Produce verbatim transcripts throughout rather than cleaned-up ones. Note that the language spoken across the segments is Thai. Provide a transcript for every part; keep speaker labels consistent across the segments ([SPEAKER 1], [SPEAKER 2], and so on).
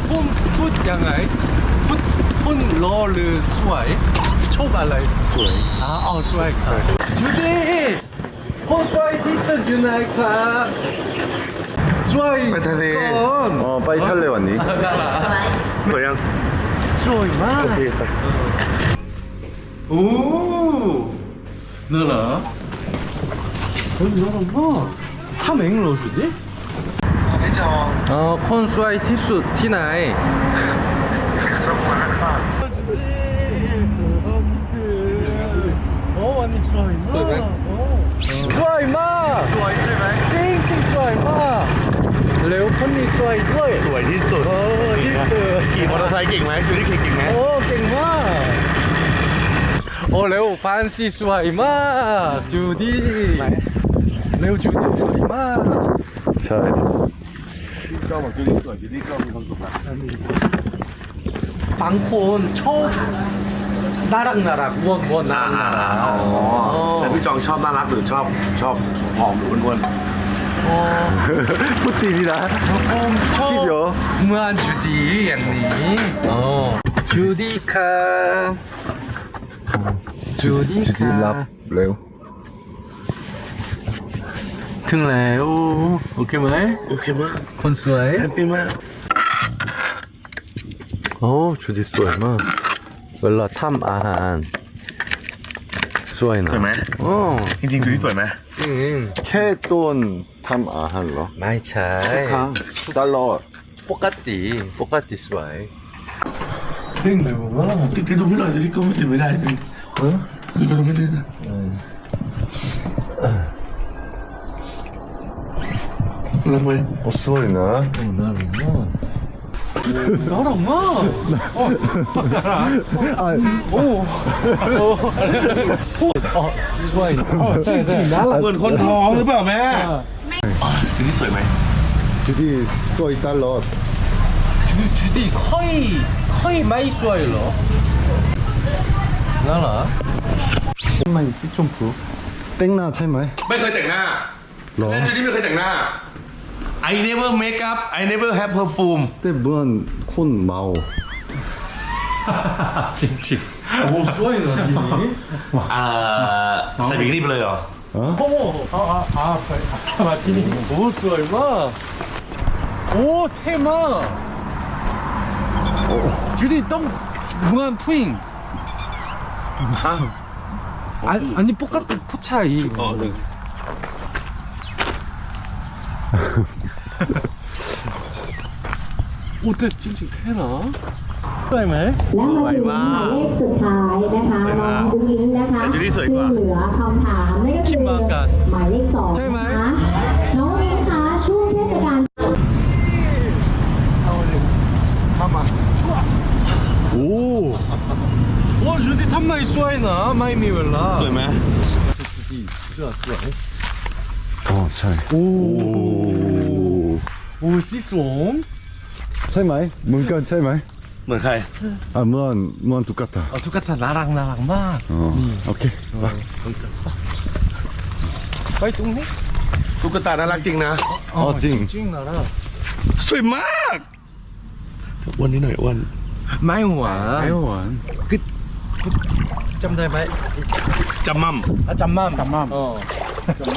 [SPEAKER 1] พุ่มพูดยังไงพูดพุ่นรอหรือสวยชอบอะไรสวยอ๋ออ๋อสวยค่ะจูดี้คนสวยที่สุดอยู่ไหนครับสวย
[SPEAKER 2] ไปทะเล
[SPEAKER 1] ก่อน
[SPEAKER 2] อ๋อไปทะเลวันนี้
[SPEAKER 3] สวยยัง
[SPEAKER 1] สวยมาก
[SPEAKER 2] โอเคไป
[SPEAKER 1] โอ้นั่นเหรอเฮ้ยน่ารักมากทำเองเหรอจูดี้
[SPEAKER 2] ไม่จอง
[SPEAKER 1] อ๋อคนสวยที่สุดที่ไหน
[SPEAKER 2] รบกวนนะครับ
[SPEAKER 1] โอ้วันนี้สวยมากสวยมาก
[SPEAKER 2] สวยใช่ไหม
[SPEAKER 1] จริงจริงสวยมากเร็วคนนี้สวยด้วย
[SPEAKER 3] สวยที่สุด
[SPEAKER 1] โอ้ที่สุด
[SPEAKER 3] ขี่มอเตอร์ไซค์เก่งไหมจูดี้ขี่เก่งไหม
[SPEAKER 1] โอ้เก่งมากโอ้เร็วฟันซี่สวยมากจูดี้เร็วจูดี้สวยมาก
[SPEAKER 2] ใช่
[SPEAKER 3] ก็บอกจูดี้สวยจูดี้ก็มีความสุขนะ
[SPEAKER 1] บางคนชอบน่ารักน่ารักวัววัวน่ารักน่ารัก
[SPEAKER 3] อ๋อแต่พี่จองชอบน่ารักหรือชอบชอบผอมหรืออ้วน
[SPEAKER 1] โอ้
[SPEAKER 2] พูดดีดีนะ
[SPEAKER 1] ผมชอบ
[SPEAKER 2] คิดเยอะ
[SPEAKER 1] เหมือนจูดี้อย่างนี้อ๋อจูดี้ครับจูดี้
[SPEAKER 2] จิ
[SPEAKER 1] ค
[SPEAKER 2] ต
[SPEAKER 1] รั
[SPEAKER 2] รับบ เร็ว
[SPEAKER 1] ถึงแล้วโอเคไหม
[SPEAKER 3] ๆโอเคมาก
[SPEAKER 1] คนสวย
[SPEAKER 3] แฮปปี้มาก
[SPEAKER 1] โอ้จูดี้สวยมากเวลาทำอาหารสวยนะ
[SPEAKER 3] สวยไหม
[SPEAKER 1] โอ้
[SPEAKER 3] จริงๆจูดี้สวยไหม
[SPEAKER 1] จริง
[SPEAKER 2] แค่ต้นทำอาหารเหรอ
[SPEAKER 1] ไม่ใช่
[SPEAKER 2] ครั้งตลอด
[SPEAKER 1] ปกติปกติสวยจริงเลยว่า
[SPEAKER 3] ติดกระดุมไม่หน่อยจูดี้ก็ไม่ติดไม่ได้จริงเออติดกระดุมไม่ได้นะลงไป
[SPEAKER 2] โอ้สวยนะ
[SPEAKER 1] น่ารักมากน่ารักมาก
[SPEAKER 2] อ่ะ
[SPEAKER 1] โอ้โอ้พูดอ๋อสวยจริงจริงน่ารัก
[SPEAKER 3] เหมือนคนท้องหรือเปล่าแม่จูดี้สวยไหม
[SPEAKER 2] จิตสวยตลอด
[SPEAKER 1] จูจูดี้ค่อยค่อยไม่สวยเหรอน่ารักทำไมสีชมพู
[SPEAKER 2] แต่งหน้าใช่ไหม
[SPEAKER 3] ไม่เคยแต่งหน้า
[SPEAKER 2] หรอ
[SPEAKER 3] แล้วจูดี้ไม่เคยแต่งหน้า I never make up I never have perfume
[SPEAKER 2] แต่เหมือนคนเมา
[SPEAKER 1] จริงจริงโอ้สวยนะทีนี้
[SPEAKER 3] อ่าใส่บิกินี่ไปเลยเหรอ
[SPEAKER 1] โอ้อ่าอ่าอ่ามาที่นี่โอ้สวยมากโอ้เท่มากจูดี้ต้องเหมือนผู้หญิง
[SPEAKER 3] ฮะ
[SPEAKER 1] 아, 아니 똑같은 포차이.
[SPEAKER 3] 어, 네.
[SPEAKER 1] 어때 찡찡 되나? สวยไหม
[SPEAKER 4] และมาถึงหมายเลขสุดท้ายนะคะน้องอุ้งอิงนะคะซึ่งเหลือคำถามนั่นก็คือหมายเลขสองนะคะน้องอุ้งอิงคะช่วงเทศกาล
[SPEAKER 1] 오. 와 주디 탐마이 쏘이나 마이미 웰라.
[SPEAKER 3] สวยไหม
[SPEAKER 2] อ๋อใช่
[SPEAKER 1] 오. 오 시송.
[SPEAKER 2] ใช่ไหมเหมือนกันใช่ไหม
[SPEAKER 3] เหมือนใคร
[SPEAKER 2] อ่ะเหมือนเหมือนตุ๊กตา
[SPEAKER 1] 아 똑같아 나랑 나랑 막.
[SPEAKER 2] อ๋อโอเคไป
[SPEAKER 1] 빨리 똥네?
[SPEAKER 3] ตุ๊กตาน่ารักจริงนะ
[SPEAKER 2] อ๋อจริง
[SPEAKER 1] 찡 나라.
[SPEAKER 3] สวยมากอ้วนนิดหน่อยอ้วน
[SPEAKER 1] 마이완.
[SPEAKER 2] 마이완.
[SPEAKER 1] 그, 그 짬다 마이.
[SPEAKER 3] จำมั่ม
[SPEAKER 1] 아 짬맘. 짬맘. 어. 짬맘.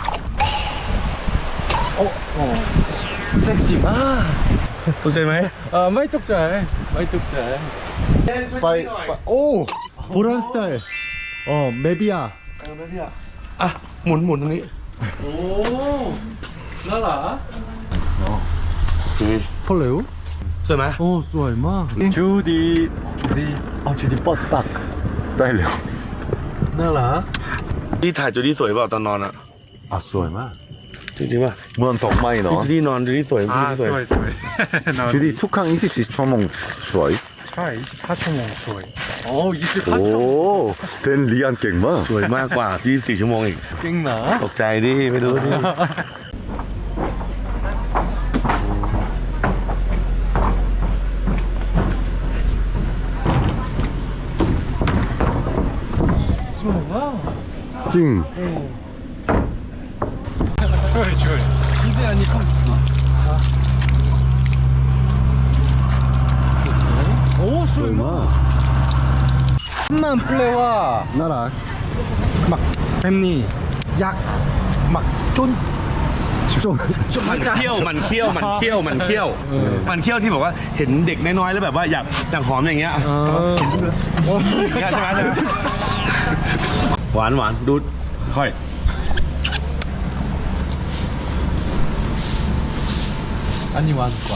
[SPEAKER 1] 어 어. 섹시 마.
[SPEAKER 3] ตกใจไหม
[SPEAKER 1] 아 마이 똑자이. 마이 똑자이.
[SPEAKER 2] ไปไปโอ้โบราณสไตล์อ๋อเบบี้อ่ะ
[SPEAKER 3] เออไม่พี่อ่ะอ่ะหมุนหมุนตรงนี้
[SPEAKER 1] 오. 나라.
[SPEAKER 3] ดี
[SPEAKER 1] 폴레오?
[SPEAKER 3] สวยไหม
[SPEAKER 1] 오 스와이 마.
[SPEAKER 2] จูดี
[SPEAKER 1] 주디. 아 주디 뻗딱.
[SPEAKER 2] ได้แล้ว
[SPEAKER 1] 나라.
[SPEAKER 3] ที่ถ่ายจูดี้สวยเปล่าตอนนอนอ่ะ
[SPEAKER 2] อ่ะสวยมาก
[SPEAKER 3] จริงๆป่ะ
[SPEAKER 2] เหมือนดอกไม้เนาะ
[SPEAKER 3] จูดี้นอนจูดี้สวยจูดี้สวย
[SPEAKER 1] 스와이. 나
[SPEAKER 2] จูดีทุกครั้งยี่สิบสี่ชั่วโมงสวย
[SPEAKER 1] 차 이십사 초 먹 스와이. 어 이십사
[SPEAKER 2] โอ้
[SPEAKER 1] 초.
[SPEAKER 2] เต้นเรียนเก่งมาก
[SPEAKER 3] สวยมากกว่ายี่สิบสี่ชั่วโมงอีก
[SPEAKER 1] 깽나.
[SPEAKER 3] ตกใจดิไม่รู้ดิ
[SPEAKER 1] 스와이가.
[SPEAKER 2] จริง
[SPEAKER 1] 스와이 스와이. 이제 아니 컴스.
[SPEAKER 2] สวยมาก
[SPEAKER 1] มันแปลว่า
[SPEAKER 2] น่ารัก
[SPEAKER 1] 막 뱀니 약 막 쫀
[SPEAKER 2] ช่วง
[SPEAKER 3] มันเที่ยวมันเที่ยวมันเที่ยวมันเที่ยวมันเที่ยวที่บอกว่าเห็นเด็กน้อยๆแล้วแบบว่าอยากอยากหอมอย่างเงี้ยใช่ไหมหวานหวานดูค่อย
[SPEAKER 1] 아니 완과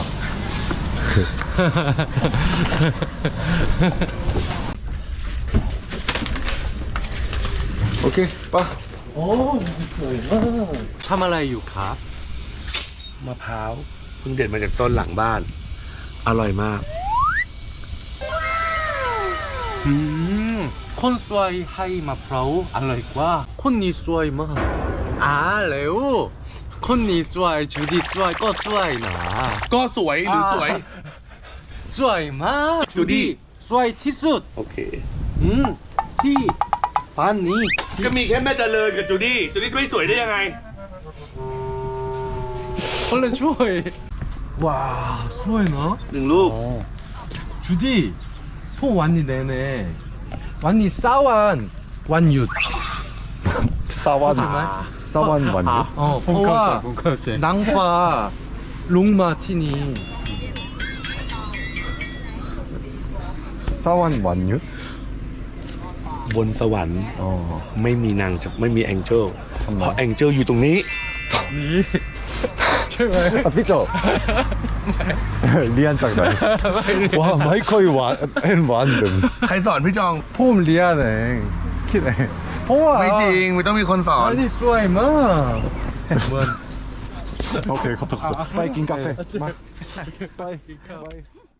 [SPEAKER 2] โอเคปะ
[SPEAKER 1] 오ทำอะไรอยู่ครับ
[SPEAKER 3] มะพร้าวเพิ่งเด็ดมาจากต้นหลังบ้าน อร่อยมาก
[SPEAKER 1] อืมคนสวยให้มะพร้าวอร่อยกว่าคนนี้สวยมากอ่าแล้วคนนี้สวยจูดี้สวยก็สวยนะ
[SPEAKER 3] ก็สวยหรือสวย
[SPEAKER 1] สวยมากจูดี้สวยที่สุด
[SPEAKER 3] โอเค
[SPEAKER 1] อืมที่บ้านนี้
[SPEAKER 3] ก็มีแค่แม่เจริญกับจูดี้จูดี้ไม่สวยได้ยังไง
[SPEAKER 1] คนละช่วยว้าสวยเนาะ
[SPEAKER 3] หนึ่งลูก
[SPEAKER 1] 주디 포 완니 내내 완니 싸완 완윷
[SPEAKER 2] ซาวันซาวันวันนี้
[SPEAKER 1] 어 포와 낭파 롱마티니
[SPEAKER 2] ซาวันวันยุทธ
[SPEAKER 3] บนสวรรค์
[SPEAKER 2] อ๋อ
[SPEAKER 3] ไม่มีนางจะไม่มีแองเจิลเพราะแองเจิลอยู่ตรงนี้
[SPEAKER 1] 니 제발
[SPEAKER 2] อ่ะพี่โจเรียนจากไหนว้าไม่ค่อยหวานเอ็นหวานเดิม
[SPEAKER 3] ใครสอนพี่จอง
[SPEAKER 1] 폼 리아네 키네 포와
[SPEAKER 3] ไม่จริงไม่ต้องมีคนสอน
[SPEAKER 1] 아니 쏘이마 뭐
[SPEAKER 2] โอเคขอโทษไปกินกาแฟมาไปไป